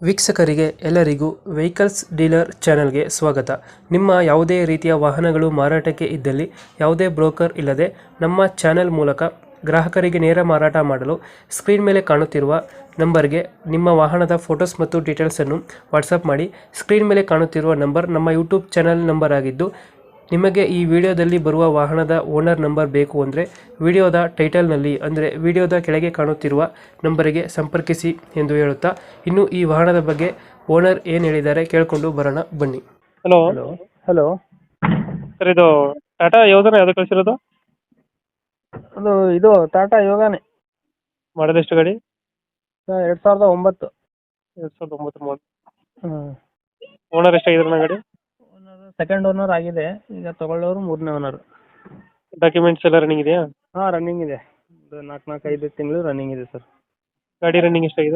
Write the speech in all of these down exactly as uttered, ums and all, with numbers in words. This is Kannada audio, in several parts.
ವೀಕ್ಷಕರಿಗೆ ಎಲ್ಲರಿಗೂ ವೆಹಿಕಲ್ಸ್ ಡೀಲರ್ ಚಾನೆಲ್ಗೆ ಸ್ವಾಗತ. ನಿಮ್ಮ ಯಾವುದೇ ರೀತಿಯ ವಾಹನಗಳು ಮಾರಾಟಕ್ಕೆ ಇದ್ದಲ್ಲಿ ಯಾವುದೇ ಬ್ರೋಕರ್ ಇಲ್ಲದೆ ನಮ್ಮ ಚಾನೆಲ್ ಮೂಲಕ ಗ್ರಾಹಕರಿಗೆ ನೇರ ಮಾರಾಟ ಮಾಡಲು ಸ್ಕ್ರೀನ್ ಮೇಲೆ ಕಾಣುತ್ತಿರುವ ನಂಬರ್ಗೆ ನಿಮ್ಮ ವಾಹನದ ಫೋಟೋಸ್ ಮತ್ತು ಡೀಟೇಲ್ಸನ್ನು ವಾಟ್ಸಪ್ ಮಾಡಿ. ಸ್ಕ್ರೀನ್ ಮೇಲೆ ಕಾಣುತ್ತಿರುವ ನಂಬರ್ ನಮ್ಮ ಯೂಟ್ಯೂಬ್ ಚಾನೆಲ್ ನಂಬರ್ ಆಗಿದ್ದು, ನಿಮಗೆ ಈ ವಿಡಿಯೋದಲ್ಲಿ ಬರುವ ವಾಹನದ ಓನರ್ ನಂಬರ್ ಬೇಕು ಅಂದರೆ ವಿಡಿಯೋದ ಟೈಟಲ್ನಲ್ಲಿ ಅಂದರೆ ವಿಡಿಯೋದ ಕೆಳಗೆ ಕಾಣುತ್ತಿರುವ ನಂಬರಿಗೆ ಸಂಪರ್ಕಿಸಿ ಎಂದು ಹೇಳುತ್ತಾ, ಇನ್ನು ಈ ವಾಹನದ ಬಗ್ಗೆ ಓನರ್ ಏನು ಹೇಳಿದ್ದಾರೆ ಕೇಳಿಕೊಂಡು ಬರೋಣ ಬನ್ನಿ. ಹಲೋ ಹಲೋ ಹಲೋ ಸರ್, ಇದು ಟಾಟಾ ಯೋಗನ ಯಾವ್ದು ಕಳಿಸಿರೋದು? ಅದು ಇದು ಟಾಟಾ ಯೋಗಾನೆ ಮಾಡೋದು ಎಷ್ಟು ಗಾಡಿ? ಎರಡು ಸಾವಿರದ ಒಂಬತ್ತು. ಎರಡು ಸಾವಿರದ ಒಂಬತ್ತು ಮಾಡಲ್. ಹಾಂ, ಓನರ್ ಎಷ್ಟಾಗಿದ್ರು ಗಾಡಿ? ಓನರ್ ಸೆಕೆಂಡ್ ಓನರ್ ಆಗಿದೆ, ಈಗ ತಗೊಳ್ಳೋರು ಮೂರನೇ ಓನರ್. ಡಾಕ್ಯುಮೆಂಟ್ಸ್ ಎಲ್ಲ ರನ್ನಿಂಗ್ ಇದೆಯಾ? ಹಾಂ, ರನ್ನಿಂಗ್ ಇದೆ. ಒಂದು ನಾಲ್ಕು ನಾಲ್ಕು ಐದು ತಿಂಗಳು ರನ್ನಿಂಗ್ ಇದೆ ಸರ್. ಗಾಡಿ ರನ್ನಿಂಗ್ ಎಷ್ಟಾಗಿದೆ?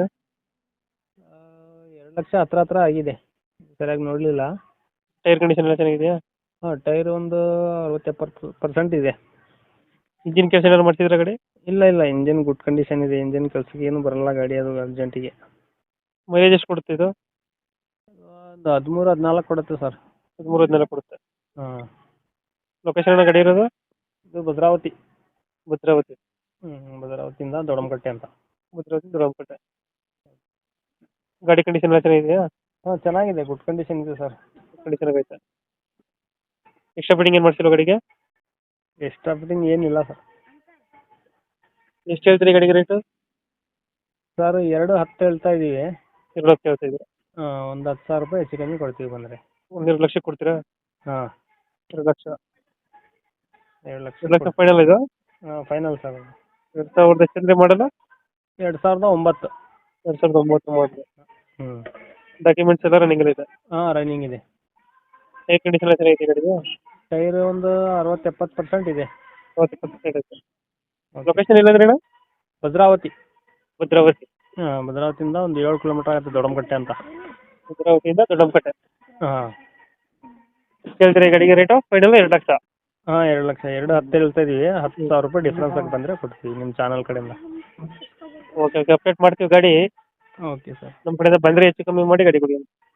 ಎರಡು ಲಕ್ಷ ಹತ್ರ ಹತ್ರ ಆಗಿದೆ, ಸರಿಯಾಗಿ ನೋಡಲಿಲ್ಲ. ಟೈರ್ ಕಂಡೀಷನ್ ಎಲ್ಲ ಚೆನ್ನಾಗಿದೆಯಾ? ಹಾಂ, ಟೈರ್ ಒಂದು ಅರವತ್ತು ಎಪ್ಪತ್ತು ಪರ್ಸೆಂಟ್ ಇದೆ. ಇಂಜಿನ್ ಕೆಲಸ ಏನಾದ್ರು ಮಾಡ್ತಿದ್ರ ಗಾಡಿ? ಇಲ್ಲ ಇಲ್ಲ, ಇಂಜಿನ್ ಗುಡ್ ಕಂಡೀಷನ್ ಇದೆ. ಇಂಜಿನ್ ಕೆಲಸಕ್ಕೆ ಏನು ಬರಲ್ಲ ಗಾಡಿ, ಅದು ಅರ್ಜೆಂಟಿಗೆ. ಮೈಲೇಜ್ ಎಷ್ಟು ಕೊಡುತ್ತೆ ಇದು? ಒಂದು ಹದಿಮೂರು ಹದಿನಾಲ್ಕು ಕೊಡುತ್ತೆ ಸರ್. ಹದಿಮೂರು ಹದಿನಾಲ್ಕು ಕೊಡುತ್ತೆ. ಹಾಂ, ಲೊಕೇಶನ್ ಗಾಡಿ ಇರೋದು? ಇದು ಭದ್ರಾವತಿ. ಭದ್ರಾವತಿ. ಹ್ಞೂ, ಭದ್ರಾವತಿಯಿಂದ ದೊಡಮಕಟ್ಟೆ ಅಂತ. ಭದ್ರಾವತಿ ದೊಡ್ಡಪೇಟೆ. ಗಾಡಿ ಕಂಡೀಷನ್ ಎಲ್ಲ ಚೆನ್ನಾಗಿದೆಯಾ? ಹಾಂ, ಚೆನ್ನಾಗಿದೆ, ಗುಡ್ ಕಂಡೀಷನ್ ಇದೆ ಸರ್. ಕಂಡೀಷನ್ ಆಗೈತೆ. ಎಕ್ಸ್ಟ್ರಾ ಫಿಟ್ಟಿಂಗ್ ಏನು ಮಾಡ್ಸಿಲ್ಲ ಗಾಡಿಗೆ? ಎಕ್ಸ್ಟ್ರಾ ಫಿಟ್ಟಿಂಗ್ ಏನಿಲ್ಲ ಸರ್. ಎಷ್ಟು ಹೇಳ್ತೀರಿ ಗಾಡಿಗೆ ರೇಟು? ಸರ್ ಎರಡು ಹತ್ತು ಹೇಳ್ತಾ ಇದ್ದೀವಿ. ಎರಡು ಲಕ್ಷ ಹೇಳ್ತಾ ಇದ್ದೀರಾ? ಹಾಂ, ಒಂದು ಹತ್ತು ಸಾವಿರ ರೂಪಾಯಿ ಹೆಚ್ಚು ಕಮ್ಮಿ ಕೊಡ್ತೀವಿ ಬಂದರೆ. ಒಂದೆರಡು ಲಕ್ಷ ಕೊಡ್ತೀರಾ? ಹಾಂ, ಎರಡು ಲಕ್ಷ. ಎರಡು ಲಕ್ಷ ಎರಡು ಲಕ್ಷ ಫೈನಲ್ ಇದು? ಹಾಂ, ಫೈನಲ್ ಸರ್. ಎರಡು ಸಾವಿರದ ಎಷ್ಟಂದ್ರೆ ಮಾಡಲ್ಲ? ಎರಡು ಸಾವಿರದ ಒಂಬತ್ತು. ಎರಡು ಸಾವಿರದ ಒಂಬತ್ತು ಮಾಡಲು. ಹ್ಞೂ, ಡಾಕ್ಯುಮೆಂಟ್ಸ್ ಎಲ್ಲ ರನ್ನಿಂಗ್ ಇದೆ? ಹಾಂ, ರನ್ನಿಂಗ್ ಇದೆ. ಟೈರ್ ಕಂಡೀಷನ್ ಎಲ್ಲ ಚೆನ್ನಾಗಿದೆ ಗಾಡಿಗೆ? ಟೈರ್ ಒಂದು ಅರವತ್ತು ಎಪ್ಪತ್ತು ಪರ್ಸೆಂಟ್ ಇದೆ. ಅರವತ್ತು ಇಪ್ಪತ್ತು ಪರ್ಸೆಂಟ್ ಐತೆ. ಲೊಕೇಶನ್ ಎಲ್ಲಂದ್ರೆ ಅಣ್ಣ? ಭದ್ರಾವತಿ. ಭದ್ರಾವತಿ. ಹಾಂ, ಭದ್ರಾವತಿಯಿಂದ ಒಂದು ಏಳು ಕಿಲೋಮೀಟರ್ ಆಗುತ್ತೆ ದೊಡಮಕಟ್ಟೆ ಅಂತ. ಭದ್ರಾವತಿಯಿಂದ ದೊಡ್ಡಪೇಟೆ. ಹಾಂ. ಕೇಳ್ತೀರಿ ಗಾಡಿಗೆ ರೇಟು? ಫೈನಲ್ ಎರಡು ಲಕ್ಷ. ಹಾಂ, ಎರಡು ಲಕ್ಷ. ಎರಡು ಹತ್ತು ಹೇಳ್ತಾ ಇದ್ದೀವಿ. ಹತ್ತು ಸಾವಿರ ರೂಪಾಯಿ ಡಿಫ್ರೆನ್ಸ್ ಆಗಿ ಬಂದರೆ ಕೊಡ್ತೀವಿ ನಿಮ್ಮ ಚಾನಲ್ ಕಡೆಯಿಂದ. ಓಕೆ ಓಕೆ, ಅಪ್ಡೇಟ್ ಮಾಡ್ತೀವಿ ಗಾಡಿ. Okay sir. ನಮ್ಮ ಕಡೆಯಿಂದ ಬಂದರೆ ಹೆಚ್ಚು ಕಮ್ಮಿ ಮಾಡಿ ಗಾಡಿ ಕೊಡಿ.